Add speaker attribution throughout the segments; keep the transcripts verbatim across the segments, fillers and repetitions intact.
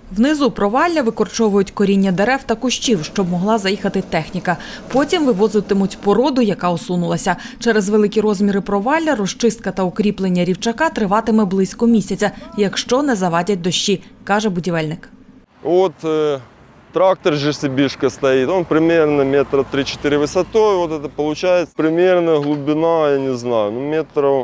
Speaker 1: Внизу провалля викорчовують коріння дерев та кущів, щоб могла заїхати техніка. Потім вивозитимуть породу, яка осунулася. Через великі розміри провалля розчистка та укріплення рівчака триватиме близько місяця, якщо не завадять дощі, каже будівельник.
Speaker 2: От э, трактор же Сибишка стоит, он примерно метра три-четыре высотой, вот это получается примерно глубина, я не знаю, ну метров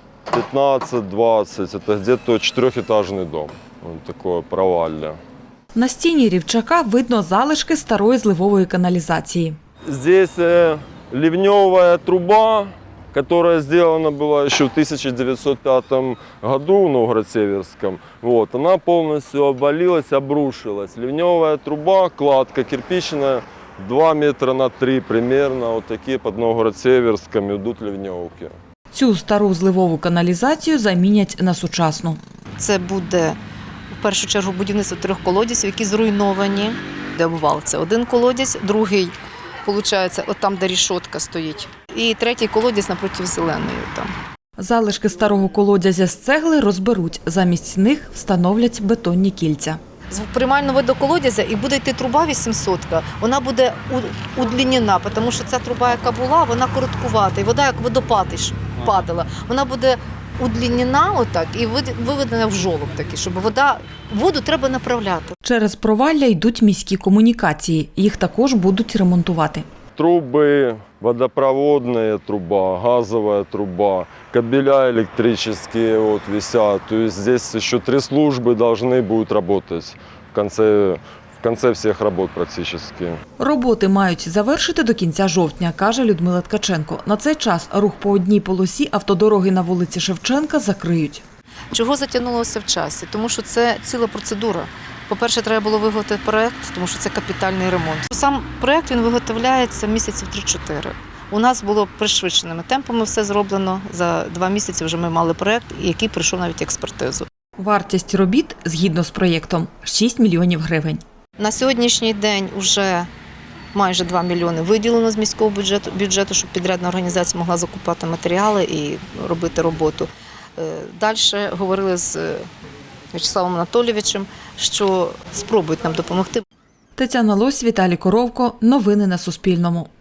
Speaker 2: пятнадцать-двадцать, это где-то четырехэтажный дом, вот такое провалля.
Speaker 1: На стіні рівчака видно залишки старої зливової каналізації.
Speaker 2: Здесь э, ливневая труба, которая сделана была еще в тысяча девятьсот пятом году в Новгород-Северском. Вот, она полностью обвалилась, обрушилась. Ливневая труба, кладка кирпичная, два метра на три примерно. Вот такие под Новгород-Северском идут ливневки.
Speaker 1: Цю стару зливову каналізацію замінять на сучасну.
Speaker 3: Це буде в першу чергу будівництво трьох колодязів, які зруйновані. Де обвал – це один колодязь, другий, виходить, от там, де рішотка стоїть. І третій колодязь напроти зеленої там.
Speaker 1: Залишки старого колодязя з цегли розберуть. Замість них встановлять бетонні кільця.
Speaker 3: З приймального виду колодязя і буде йти труба вісімсотка, вона буде удлінена, тому що ця труба, яка була, вона короткувата. І вода, як водопад падала, вона буде удлінена отак і виведена в жолоб такий, щоб вода, воду треба направляти.
Speaker 1: Через провалля йдуть міські комунікації. Їх також будуть ремонтувати.
Speaker 2: Трубы, водопроводная труба, газовая труба, кабеля электрические вот висят. То есть здесь еще три службы должны будут работать в конце, в конце всех работ практически.
Speaker 1: Роботи мають завершити до кінця жовтня, каже Людмила Ткаченко. На цей час рух по одній полосі автодороги на вулиці Шевченка закриють.
Speaker 3: Чого затягнулося в часі? Тому що це ціла процедура. По-перше, треба було виготовити проєкт, тому що це капітальний ремонт. Сам проєкт він виготовляється місяців три-чотири. У нас було пришвидшеними темпами все зроблено. За два місяці вже ми мали проєкт, який пройшов навіть експертизу.
Speaker 1: Вартість робіт, згідно з проєктом, шість мільйонів гривень.
Speaker 3: На сьогоднішній день вже майже два мільйони виділено з міського бюджету, бюджету, щоб підрядна організація могла закупати матеріали і робити роботу. Далі говорили з В'ячеславом Анатолійовичем, що спробують нам допомогти.
Speaker 1: Тетяна Лось, Віталій Коровко. Новини на Суспільному.